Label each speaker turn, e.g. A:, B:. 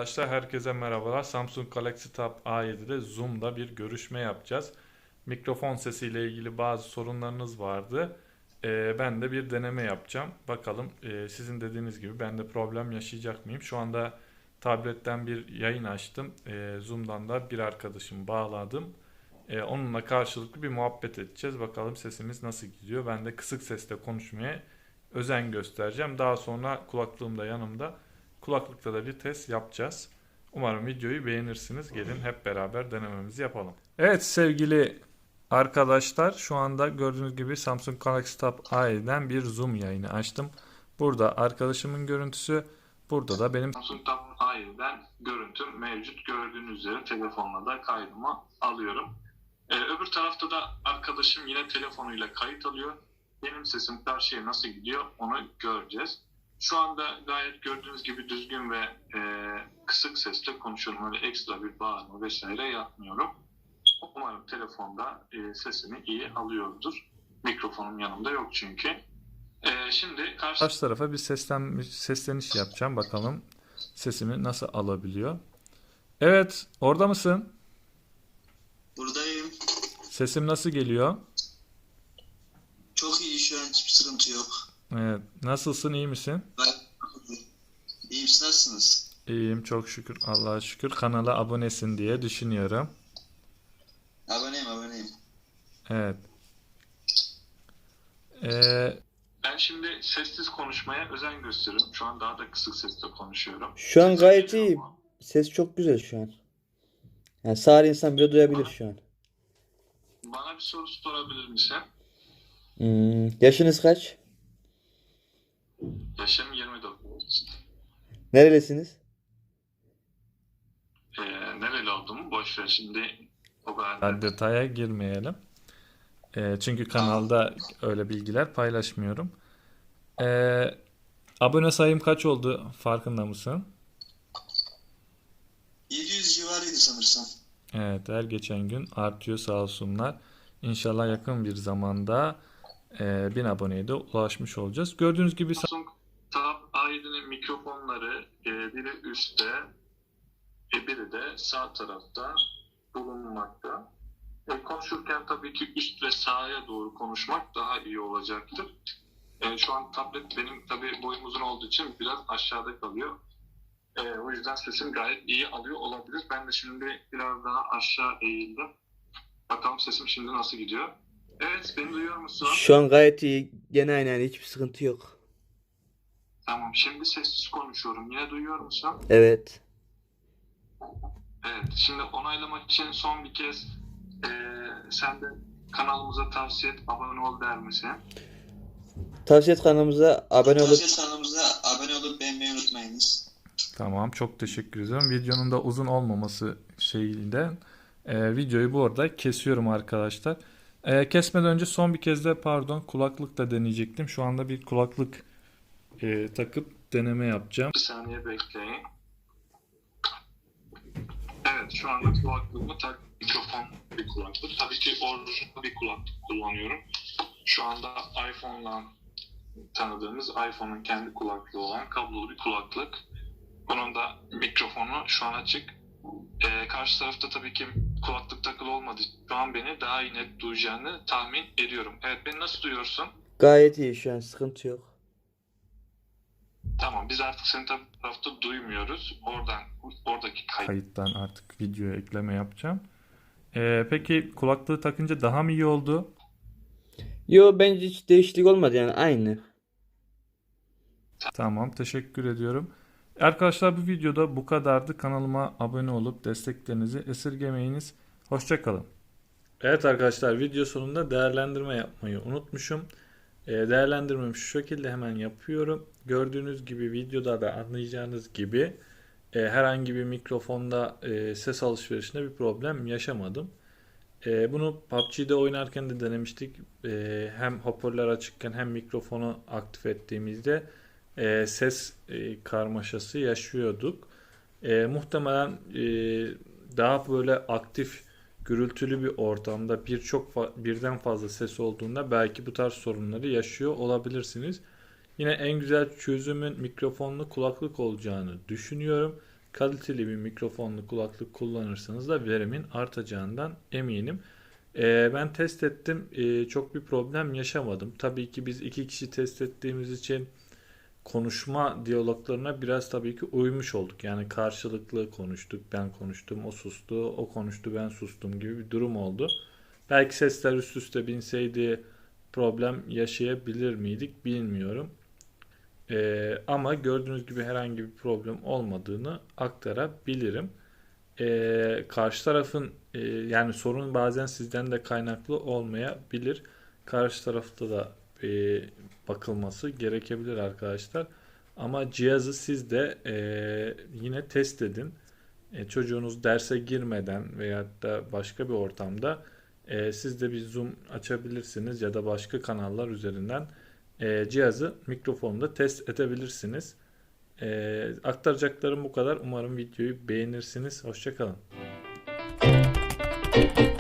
A: Arkadaşlar herkese merhabalar. Samsung Galaxy Tab A7'de Zoom'da bir görüşme yapacağız. Mikrofon sesiyle ilgili bazı sorunlarınız vardı. Ben de bir deneme yapacağım. Bakalım sizin dediğiniz gibi ben de problem yaşayacak mıyım? Şu anda tabletten bir yayın açtım. Zoom'dan da bir arkadaşımı bağladım. Onunla karşılıklı bir muhabbet edeceğiz. Bakalım sesimiz nasıl gidiyor. Ben de kısık sesle konuşmaya özen göstereceğim. Daha sonra kulaklığım da yanımda. Kulaklıkta da bir test yapacağız. Umarım videoyu beğenirsiniz. Gelin hep beraber denememizi yapalım. Evet sevgili arkadaşlar, şu anda gördüğünüz gibi Samsung Galaxy Tab A7'den bir Zoom yayını açtım. Burada arkadaşımın görüntüsü, burada da benim
B: Samsung Tab A7'den görüntüm mevcut. Gördüğünüz üzere telefonla da kaydımı alıyorum. Öbür tarafta da arkadaşım yine telefonuyla kayıt alıyor. Benim sesim karşıya nasıl gidiyor onu göreceğiz. Şu anda gayet gördüğünüz gibi düzgün ve kısık sesle konuşuyorum. Öyle ekstra bir bağırma vesaire yapmıyorum. Umarım telefonda sesimi iyi alıyordur. Mikrofonum yanımda yok çünkü. Şimdi
A: karşı tarafa bir sesleniş yapacağım. Bakalım sesimi nasıl alabiliyor. Evet, orada mısın?
C: Buradayım.
A: Sesim nasıl geliyor?
C: Çok iyi, şu an hiçbir sıkıntı yok.
A: Evet, nasılsın, iyi misin?
C: İyiyim, siz nasılsınız?
A: İyiyim çok şükür, Allah'a şükür. Kanala abonesin diye düşünüyorum.
C: Aboneyim.
A: Evet.
B: Ben şimdi sessiz konuşmaya özen gösteriyorum. Şu an daha da kısık sesle konuşuyorum.
D: Şu an
B: Sesim
D: gayet
B: geliyor
D: iyi.
B: mu?
D: Ses çok güzel şu an. Yani sağır insan bile duyabilir şu an.
B: Bana bir soru sorabilir misin?
D: Yaşınız kaç?
B: Yaşım 29.
D: Nerelisiniz?
B: Nereli olduğumu boş ver şimdi. O kadar.
A: Detaya girmeyelim. Çünkü kanalda öyle bilgiler paylaşmıyorum. Abone sayım kaç oldu farkında mısın?
C: 700 civarıydı sanırsam.
A: Evet, her geçen gün artıyor sağ olsunlar. İnşallah yakın bir zamanda 1000 aboneye de ulaşmış olacağız. Gördüğünüz gibi
B: Samsung Tab A7'nin mikrofonları biri üstte, biri de sağ tarafta bulunmakta. Konuşurken tabii ki üst ve sağa doğru konuşmak daha iyi olacaktır. Şu an tablet benim tabii boyum uzun olduğu için biraz aşağıda kalıyor. O yüzden sesim gayet iyi alıyor olabilir. Ben de şimdi biraz daha aşağı eğildim. Bakalım sesim şimdi nasıl gidiyor. Evet, beni duyuyor musun?
D: Şu an gayet iyi. Gene aynı, yani hiçbir sıkıntı yok.
B: Tamam, şimdi sessiz konuşuyorum. Yine duyuyor musun?
D: Evet.
B: Evet, şimdi onaylamak için son bir kez sen de kanalımıza tavsiye et, abone ol der misin?
D: Tavsiye et, kanalımıza abone olup
C: Kanalımıza abone olup beğenmeyi unutmayınız.
A: tamam, çok teşekkür ediyorum. Videonun da uzun olmaması şeyinden videoyu bu arada kesiyorum arkadaşlar. Kesmeden önce son bir kez de kulaklık da deneyecektim. Şu anda bir kulaklık takıp deneme yapacağım.
B: Bir saniye bekleyin. Evet, şu anda kulaklığımı mikrofon bir kulaklık. Tabii ki orijinal bir kulaklık kullanıyorum. Şu anda iPhone'la tanıdığımız iPhone'un kendi kulaklığı olan kablolu bir kulaklık. Bunun da mikrofonu şu an açık. Karşı tarafta tabii ki kulaklık takılı olmadığı için şu an beni daha iyi net duyacağını tahmin ediyorum. Evet, beni nasıl duyuyorsun?
D: gayet iyi, şu an sıkıntı yok.
B: Tamam, biz artık seni tabii tarafta duymuyoruz. Oradaki
A: Kayıttan artık videoya ekleme yapacağım. Peki kulaklığı takınca daha mı iyi oldu?
D: Yo, bence hiç değişiklik olmadı, yani aynı.
A: Tamam, teşekkür ediyorum. Arkadaşlar bu videoda bu kadardı. Kanalıma abone olup desteklerinizi esirgemeyiniz. Hoşça kalın. Evet arkadaşlar, video sonunda değerlendirme yapmayı unutmuşum. Değerlendirmemi şu şekilde hemen yapıyorum. Gördüğünüz gibi videoda da anlayacağınız gibi herhangi bir mikrofonda ses alışverişinde bir problem yaşamadım. Bunu PUBG'de oynarken de denemiştik. Hem hoparlör açıkken hem mikrofonu aktif ettiğimizde ses karmaşası yaşıyorduk. Muhtemelen daha böyle aktif, gürültülü bir ortamda birden fazla ses olduğunda belki bu tarz sorunları yaşıyor olabilirsiniz. Yine en güzel çözümün mikrofonlu kulaklık olacağını düşünüyorum. kaliteli bir mikrofonlu kulaklık kullanırsanız da verimin artacağından eminim. Ben test ettim. Çok bir problem yaşamadım. Tabii ki biz iki kişi test ettiğimiz için konuşma diyaloglarına biraz tabii ki uymuş olduk. Yani karşılıklı konuştuk. Ben konuştum, o sustu, o konuştu, ben sustum gibi bir durum oldu. Belki sesler üst üste binseydi problem yaşayabilir miydik bilmiyorum. Ama gördüğünüz gibi herhangi bir problem olmadığını aktarabilirim. Karşı tarafın yani sorun bazen sizden de kaynaklı olmayabilir. Karşı tarafta da bakılması gerekebilir arkadaşlar. Ama cihazı siz de yine test edin. Çocuğunuz derse girmeden veyahut da başka bir ortamda siz de bir Zoom açabilirsiniz ya da başka kanallar üzerinden cihazı mikrofonda test edebilirsiniz. Aktaracaklarım bu kadar. Umarım videoyu beğenirsiniz. Hoşça kalın.